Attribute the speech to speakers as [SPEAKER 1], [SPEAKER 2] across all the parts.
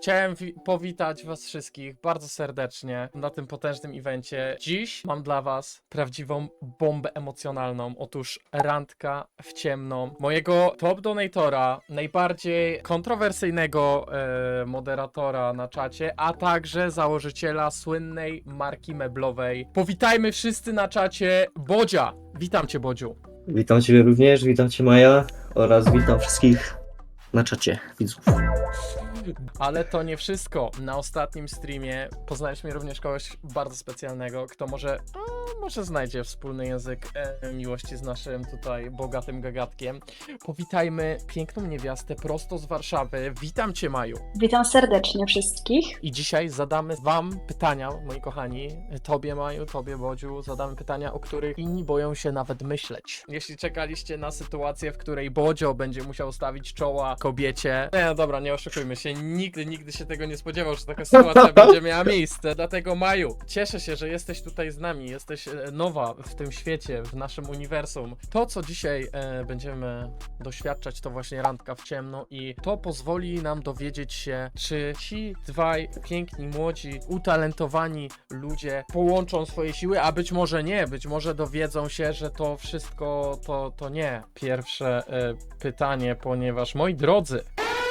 [SPEAKER 1] Chciałem powitać was wszystkich bardzo serdecznie na tym potężnym evencie. Dziś mam dla was prawdziwą bombę emocjonalną. Otóż randka w ciemno mojego top donatora, najbardziej kontrowersyjnego moderatora na czacie, a także założyciela słynnej marki meblowej. Powitajmy wszyscy na czacie Bodzia. Witam cię, Bodziu.
[SPEAKER 2] Witam Ciebie również, witam Cię Maja oraz witam wszystkich na czacie widzów.
[SPEAKER 1] Ale to nie wszystko. Na ostatnim streamie poznaliśmy również kogoś bardzo specjalnego, kto może znajdzie wspólny język miłości z naszym tutaj bogatym gagatkiem. Powitajmy piękną niewiastę prosto z Warszawy. Witam cię, Maju.
[SPEAKER 3] Witam serdecznie wszystkich.
[SPEAKER 1] I dzisiaj zadamy wam pytania, moi kochani. Tobie, Maju, tobie, Bodziu, zadamy pytania, o których inni boją się nawet myśleć. Jeśli czekaliście na sytuację, w której Bodzio będzie musiał stawić czoła kobiecie. Nie, no dobra, nie oszukujmy się. Nigdy się tego nie spodziewał, że taka sytuacja będzie miała miejsce. Dlatego, Maju, cieszę się, że jesteś tutaj z nami. Jesteś nowa w tym świecie, w naszym uniwersum. To, co dzisiaj będziemy doświadczać, to właśnie randka w ciemno i to pozwoli nam dowiedzieć się, czy ci dwaj piękni, młodzi, utalentowani ludzie połączą swoje siły, a być może nie. Być może dowiedzą się, że to wszystko to nie. Pierwsze pytanie, ponieważ, moi drodzy,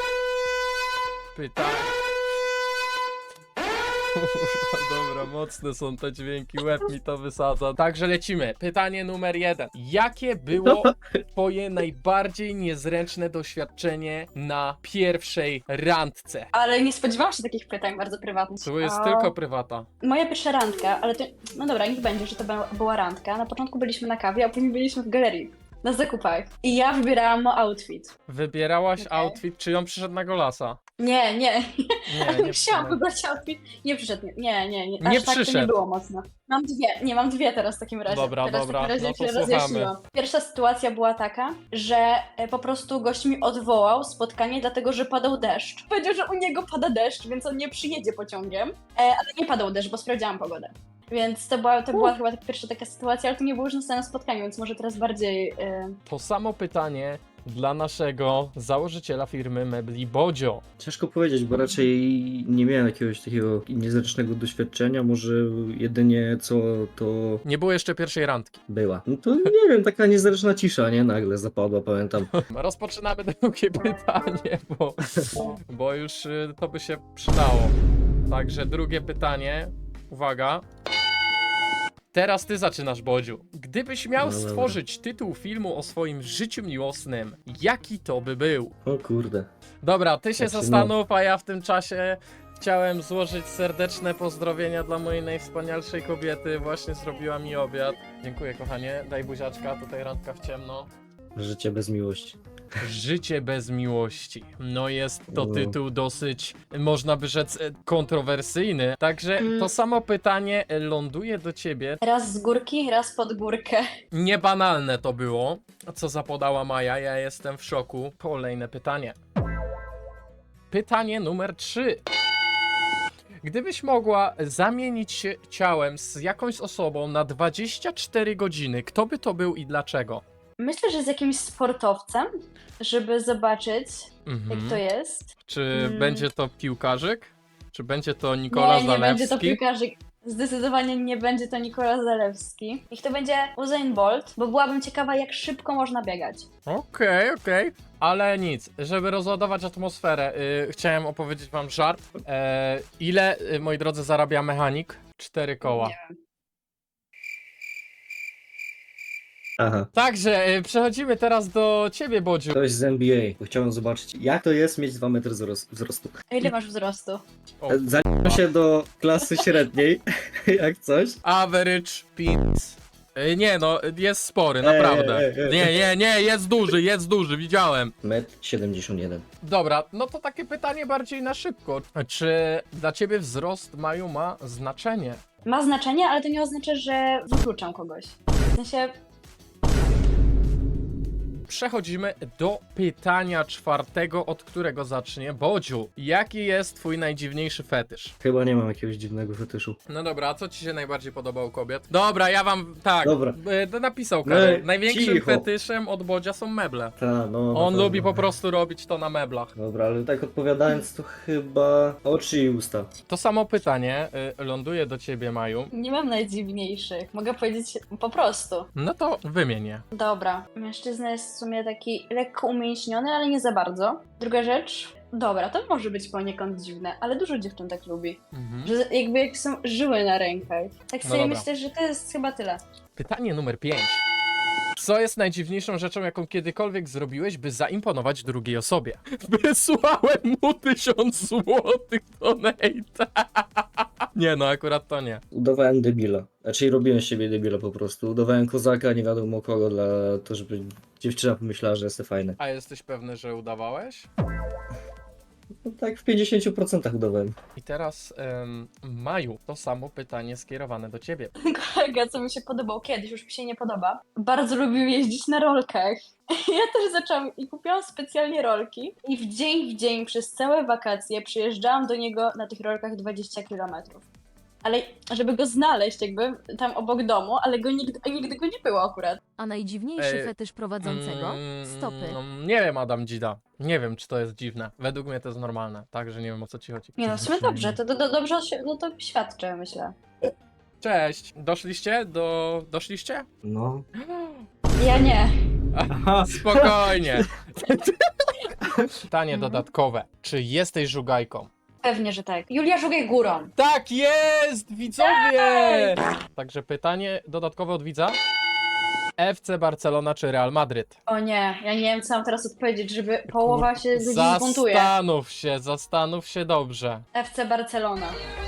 [SPEAKER 1] Dobra, mocne są te dźwięki, łeb mi to wysadza. Także lecimy. Pytanie numer 1. Jakie było twoje najbardziej niezręczne doświadczenie na pierwszej randce?
[SPEAKER 3] Ale nie spodziewałam się takich pytań bardzo prywatnych.
[SPEAKER 1] To jest tylko prywata.
[SPEAKER 3] Moja pierwsza randka, ale to... No dobra, niech będzie, że to była randka. Na początku byliśmy na kawie, a później byliśmy w galerii. Na zakupach. I ja wybierałam outfit.
[SPEAKER 1] Wybierałaś
[SPEAKER 3] Okej.
[SPEAKER 1] outfit, czy on przyszedł na golasa?
[SPEAKER 3] Nie.
[SPEAKER 1] Nie, nie
[SPEAKER 3] Musiałam
[SPEAKER 1] przyszedł.
[SPEAKER 3] wybrać outfit. Nie przyszedł. Nie.
[SPEAKER 1] Nie
[SPEAKER 3] Aż tak to
[SPEAKER 1] przyszedł.
[SPEAKER 3] nie było mocno. Mam dwie. Nie, mam dwie teraz w takim razie.
[SPEAKER 1] Dobra,
[SPEAKER 3] teraz
[SPEAKER 1] dobra,
[SPEAKER 3] w takim razie
[SPEAKER 1] no to
[SPEAKER 3] się
[SPEAKER 1] słuchamy.
[SPEAKER 3] rozjaśniłam. Pierwsza sytuacja była taka, że po prostu gość mi odwołał spotkanie, dlatego że padał deszcz. Powiedział, że u niego pada deszcz, więc on nie przyjedzie pociągiem. Ale nie padał deszcz, bo sprawdziłam pogodę. Więc to była chyba pierwsza taka sytuacja, ale to nie było już na samym spotkaniu, więc może teraz bardziej...
[SPEAKER 1] To samo pytanie dla naszego założyciela firmy mebli Bodzio.
[SPEAKER 2] Ciężko powiedzieć, bo raczej nie miałem jakiegoś takiego niezręcznego doświadczenia, może jedynie co to
[SPEAKER 1] Nie było jeszcze pierwszej randki.
[SPEAKER 2] była. No to nie wiem, taka niezręczna cisza, nie? Nagle zapadła, pamiętam.
[SPEAKER 1] Rozpoczynamy drugie pytanie, bo już to by się przydało. Także drugie pytanie. Uwaga. Teraz ty zaczynasz, Bodziu. Gdybyś miał
[SPEAKER 2] No dobra.
[SPEAKER 1] stworzyć tytuł filmu o swoim życiu miłosnym, jaki to by był?
[SPEAKER 2] O kurde.
[SPEAKER 1] Dobra, ty się
[SPEAKER 2] Znaczy,
[SPEAKER 1] zastanów, a ja w tym czasie chciałem złożyć serdeczne pozdrowienia dla mojej najwspanialszej kobiety. Właśnie zrobiła mi obiad. Dziękuję, kochanie. Daj buziaczka, tutaj randka w ciemno.
[SPEAKER 2] Życie bez miłości.
[SPEAKER 1] Życie bez miłości. No jest to
[SPEAKER 2] No.
[SPEAKER 1] tytuł dosyć, można by rzec, kontrowersyjny. Także
[SPEAKER 3] Mm.
[SPEAKER 1] to samo pytanie ląduje do ciebie.
[SPEAKER 3] Raz z górki, raz pod górkę.
[SPEAKER 1] Niebanalne to było, co zapodała Maja. Ja jestem w szoku. Kolejne pytanie. Pytanie numer 3. Gdybyś mogła zamienić się ciałem z jakąś osobą na 24 godziny, kto by to był i dlaczego?
[SPEAKER 3] Myślę, że z jakimś sportowcem, żeby zobaczyć, jak to jest.
[SPEAKER 1] Czy będzie to piłkarzyk? Czy będzie to Nikola
[SPEAKER 3] Nie
[SPEAKER 1] Zalewski?
[SPEAKER 3] będzie to piłkarzyk. Zdecydowanie nie będzie to Nikola Zalewski. Niech to będzie Usain Bolt, bo byłabym ciekawa, jak szybko można biegać.
[SPEAKER 1] Okej. Ale nic, żeby rozładować atmosferę, chciałem opowiedzieć wam żart. Ile, moi drodzy, zarabia mechanik? 4 koła.
[SPEAKER 3] Nie.
[SPEAKER 2] Aha.
[SPEAKER 1] Także przechodzimy teraz do ciebie, Bodziu.
[SPEAKER 2] Ktoś z NBA, bo chciałem zobaczyć, jak to jest mieć 2 metry wzrostu.
[SPEAKER 3] A ile masz wzrostu?
[SPEAKER 1] O,
[SPEAKER 2] Zaliczam się do klasy średniej, jak coś.
[SPEAKER 1] average pins. Nie no, jest spory, naprawdę. Nie, jest duży, widziałem.
[SPEAKER 2] 1,71 m.
[SPEAKER 1] Dobra, no to takie pytanie bardziej na szybko. Czy dla ciebie wzrost, Maju, ma znaczenie?
[SPEAKER 3] Ma znaczenie, ale to nie oznacza, że wykluczam kogoś. W sensie,
[SPEAKER 1] przechodzimy do pytania czwartego, od którego zacznie Bodziu. Jaki jest twój najdziwniejszy fetysz?
[SPEAKER 2] Chyba nie mam jakiegoś dziwnego fetyszu.
[SPEAKER 1] No dobra, a co ci się najbardziej podoba u kobiet? Dobra, ja wam, tak,
[SPEAKER 2] Dobra.
[SPEAKER 1] napisał Karol.
[SPEAKER 2] No,
[SPEAKER 1] Największym
[SPEAKER 2] cicho.
[SPEAKER 1] fetyszem od Bodzia są meble.
[SPEAKER 2] Ta, no. na
[SPEAKER 1] On
[SPEAKER 2] pewno.
[SPEAKER 1] lubi po prostu robić to na meblach.
[SPEAKER 2] Dobra, ale tak odpowiadając, to chyba oczy i usta.
[SPEAKER 1] To samo pytanie ląduje do ciebie, Maju.
[SPEAKER 3] Nie mam najdziwniejszych. Mogę powiedzieć po prostu.
[SPEAKER 1] No to wymień je.
[SPEAKER 3] Dobra. Mężczyzna jest w sumie taki lekko umięśniony, ale nie za bardzo. Druga rzecz. Dobra, to może być poniekąd dziwne, ale dużo dziewczyn tak lubi. Że jakby jak są żyły na rękach. Tak
[SPEAKER 1] No
[SPEAKER 3] sobie
[SPEAKER 1] dobra.
[SPEAKER 3] myślę, że to jest chyba tyle.
[SPEAKER 1] Pytanie numer 5. Co jest najdziwniejszą rzeczą, jaką kiedykolwiek zrobiłeś, by zaimponować drugiej osobie? Wysłałem mu 1000 złotych donata. Nie no, akurat to nie.
[SPEAKER 2] Udawałem debila. Znaczy robiłem z siebie debila po prostu. Udawałem kozaka, nie wiadomo kogo, dla to, żeby dziewczyna pomyślała, że jestem fajny.
[SPEAKER 1] A jesteś pewny, że udawałeś?
[SPEAKER 2] No, tak w 50% udawałem.
[SPEAKER 1] I teraz, Maju, to samo pytanie skierowane do ciebie.
[SPEAKER 3] Kolega, co mi się podobał kiedyś, już mi się nie podoba, bardzo lubił jeździć na rolkach. Ja też zaczęłam i kupiłam specjalnie rolki i w dzień przez całe wakacje przyjeżdżałam do niego na tych rolkach 20 km. Ale żeby go znaleźć jakby tam obok domu, ale nigdy go nie było akurat.
[SPEAKER 4] A najdziwniejszy
[SPEAKER 1] Ej,
[SPEAKER 4] fetysz prowadzącego? Stopy.
[SPEAKER 1] No, nie wiem, Adam Dzida. Nie wiem, czy to jest dziwne. Według mnie to jest normalne, także nie wiem, o co ci chodzi.
[SPEAKER 3] Nie no, w sumie dobrze, to dobrze no to świadczy, myślę.
[SPEAKER 1] Cześć, doszliście?
[SPEAKER 2] No.
[SPEAKER 3] Ja nie.
[SPEAKER 2] Aha.
[SPEAKER 1] Spokojnie. Pytanie dodatkowe. Czy jesteś żugajką?
[SPEAKER 3] Pewnie, że tak. Julia, żugaj górą.
[SPEAKER 1] Tak jest, widzowie! Także pytanie dodatkowe od widza. FC Barcelona czy Real Madryt?
[SPEAKER 3] O nie, ja nie wiem, co mam teraz odpowiedzieć, żeby połowa się ludzi zbuntuje.
[SPEAKER 1] Zastanów się dobrze.
[SPEAKER 3] FC Barcelona.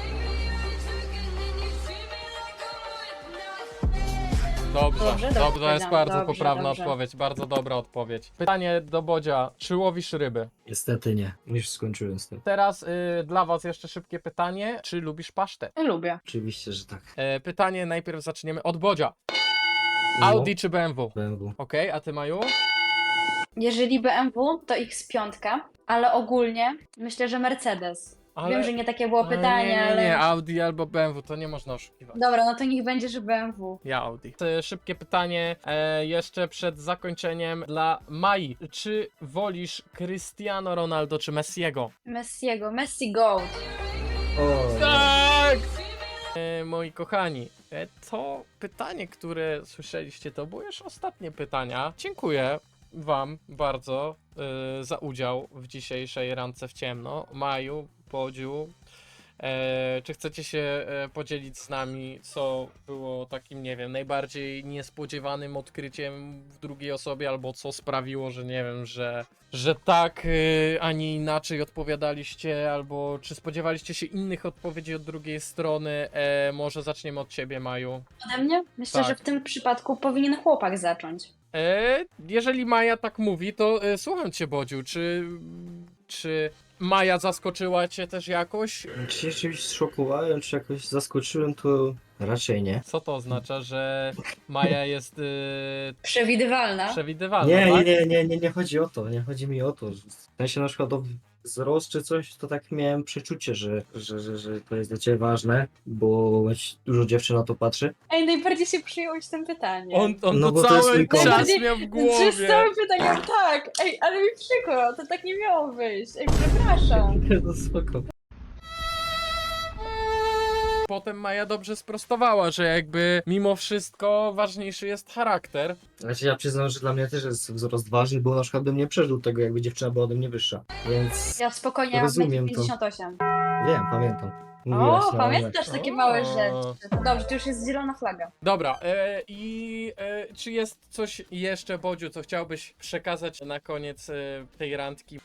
[SPEAKER 1] Dobrze,
[SPEAKER 3] Dobrze
[SPEAKER 1] to jest
[SPEAKER 3] powiedziałam.
[SPEAKER 1] bardzo
[SPEAKER 3] Dobrze,
[SPEAKER 1] poprawna
[SPEAKER 3] dobrze.
[SPEAKER 1] odpowiedź, bardzo dobra odpowiedź. Pytanie do Bodzia, czy łowisz ryby?
[SPEAKER 2] Niestety nie. Już skończyłem z tym.
[SPEAKER 1] Teraz dla was jeszcze szybkie pytanie, czy lubisz pasztet?
[SPEAKER 3] Lubię.
[SPEAKER 2] Oczywiście, że tak.
[SPEAKER 1] Pytanie najpierw zaczniemy od Bodzia.
[SPEAKER 2] No.
[SPEAKER 1] Audi czy BMW?
[SPEAKER 2] BMW.
[SPEAKER 1] Okej, a ty Maju?
[SPEAKER 3] Jeżeli BMW, to X5, ale ogólnie myślę, że Mercedes. Wiem, że nie takie było pytanie,
[SPEAKER 1] nie,
[SPEAKER 3] ale...
[SPEAKER 1] Audi albo BMW, to nie można oszukiwać.
[SPEAKER 3] Dobra, no to niech będzie, że BMW.
[SPEAKER 1] Ja Audi. Szybkie pytanie jeszcze przed zakończeniem dla Mai. Czy wolisz Cristiano Ronaldo czy Messiego?
[SPEAKER 3] Messiego, Messi Gold.
[SPEAKER 2] O,
[SPEAKER 1] Tak! Moi kochani, to pytanie, które słyszeliście, to było już ostatnie pytania. Dziękuję wam bardzo za udział w dzisiejszej randce w ciemno. Maju, Bodziu, czy chcecie się podzielić z nami, co było takim, nie wiem, najbardziej niespodziewanym odkryciem w drugiej osobie, albo co sprawiło, że nie wiem, że tak, a nie inaczej odpowiadaliście, albo czy spodziewaliście się innych odpowiedzi od drugiej strony? Może zaczniemy od ciebie, Maju.
[SPEAKER 3] Ode mnie? Myślę,
[SPEAKER 1] Tak.
[SPEAKER 3] że w tym przypadku powinien chłopak zacząć.
[SPEAKER 1] Jeżeli Maja tak mówi, to słucham cię, Bodziu, czy Maja zaskoczyła cię też jakoś?
[SPEAKER 2] Czy się czymś szokowałem, czy jakoś zaskoczyłem, to raczej nie.
[SPEAKER 1] Co to oznacza, że Maja jest
[SPEAKER 3] Przewidywalna.
[SPEAKER 1] przewidywalna,
[SPEAKER 2] Nie,
[SPEAKER 1] tak?
[SPEAKER 2] nie chodzi o to, nie chodzi mi o to. W sensie na przykład o wzrost czy coś, to tak miałem przeczucie, że to jest dla ciebie ważne, bo dużo dziewczyn na to patrzy.
[SPEAKER 3] Ej, najbardziej się przyjąłeś tym pytaniem.
[SPEAKER 1] On
[SPEAKER 2] No
[SPEAKER 1] to
[SPEAKER 2] bo to jest
[SPEAKER 1] cały
[SPEAKER 2] mój
[SPEAKER 1] czas
[SPEAKER 2] pomysł.
[SPEAKER 1] miał w
[SPEAKER 3] Czy z
[SPEAKER 1] głowie.
[SPEAKER 3] całym pytaniem tak. Ej, ale mi przykro, to tak nie miało wyjść. Ej, przepraszam.
[SPEAKER 2] No spoko.
[SPEAKER 1] Potem Maja dobrze sprostowała, że jakby mimo wszystko ważniejszy jest charakter.
[SPEAKER 2] Znaczy ja przyznam, że dla mnie też jest wzrost ważny, bo na przykład bym nie przeżył tego, jakby dziewczyna była ode mnie wyższa. Więc
[SPEAKER 3] Ja spokojnie mam
[SPEAKER 2] Rozumiem to.
[SPEAKER 3] 58.
[SPEAKER 2] wiem, pamiętam. Mówiłaś,
[SPEAKER 3] O,
[SPEAKER 2] no,
[SPEAKER 3] pamiętasz takie małe
[SPEAKER 1] O.
[SPEAKER 3] rzeczy. To dobrze, to już jest zielona flaga.
[SPEAKER 1] Dobra, czy jest coś jeszcze, Bodziu, co chciałbyś przekazać na koniec tej randki?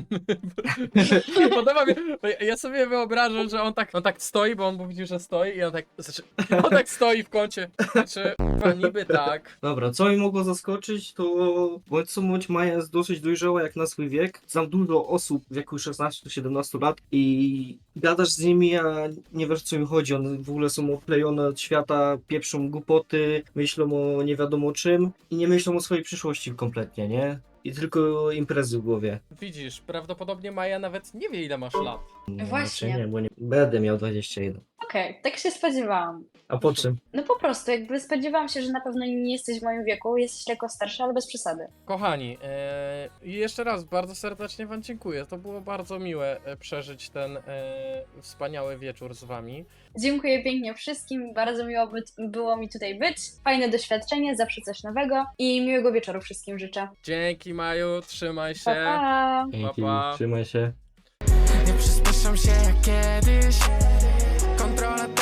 [SPEAKER 1] Podoba mi, ja sobie wyobrażam, że on tak stoi, bo on mówił, że stoi i on tak stoi w kącie. Znaczy, niby tak.
[SPEAKER 2] Dobra, co mi mogło zaskoczyć, to bądź co bądź Maja jest dosyć dojrzała jak na swój wiek. Znam dużo osób w wieku 16-17 lat i gadasz z nimi, myślenia, nie wiesz co im chodzi, one w ogóle są odklejone od świata, pieprzą głupoty, myślą o nie wiadomo czym i nie myślą o swojej przyszłości kompletnie, nie? I tylko imprezy w głowie.
[SPEAKER 1] Widzisz, prawdopodobnie Maja nawet nie wie ile masz lat.
[SPEAKER 2] No,
[SPEAKER 3] Właśnie.
[SPEAKER 2] raczej Nie, bo nie będę miał 21.
[SPEAKER 3] Okej, tak się spodziewałam.
[SPEAKER 2] A po czym?
[SPEAKER 3] No po prostu, jakby spodziewałam się, że na pewno nie jesteś w moim wieku, jesteś lekko starsza, ale bez przesady.
[SPEAKER 1] Kochani, i jeszcze raz bardzo serdecznie wam dziękuję. To było bardzo miłe przeżyć ten wspaniały wieczór z wami.
[SPEAKER 3] Dziękuję pięknie wszystkim, bardzo miło było mi tutaj być. Fajne doświadczenie, zawsze coś nowego i miłego wieczoru wszystkim życzę.
[SPEAKER 1] Dzięki Maju, trzymaj się.
[SPEAKER 3] Pa, pa.
[SPEAKER 2] Dzięki,
[SPEAKER 1] pa.
[SPEAKER 2] trzymaj się.
[SPEAKER 5] Nie przyspieszam się jak kiedyś. Kontrola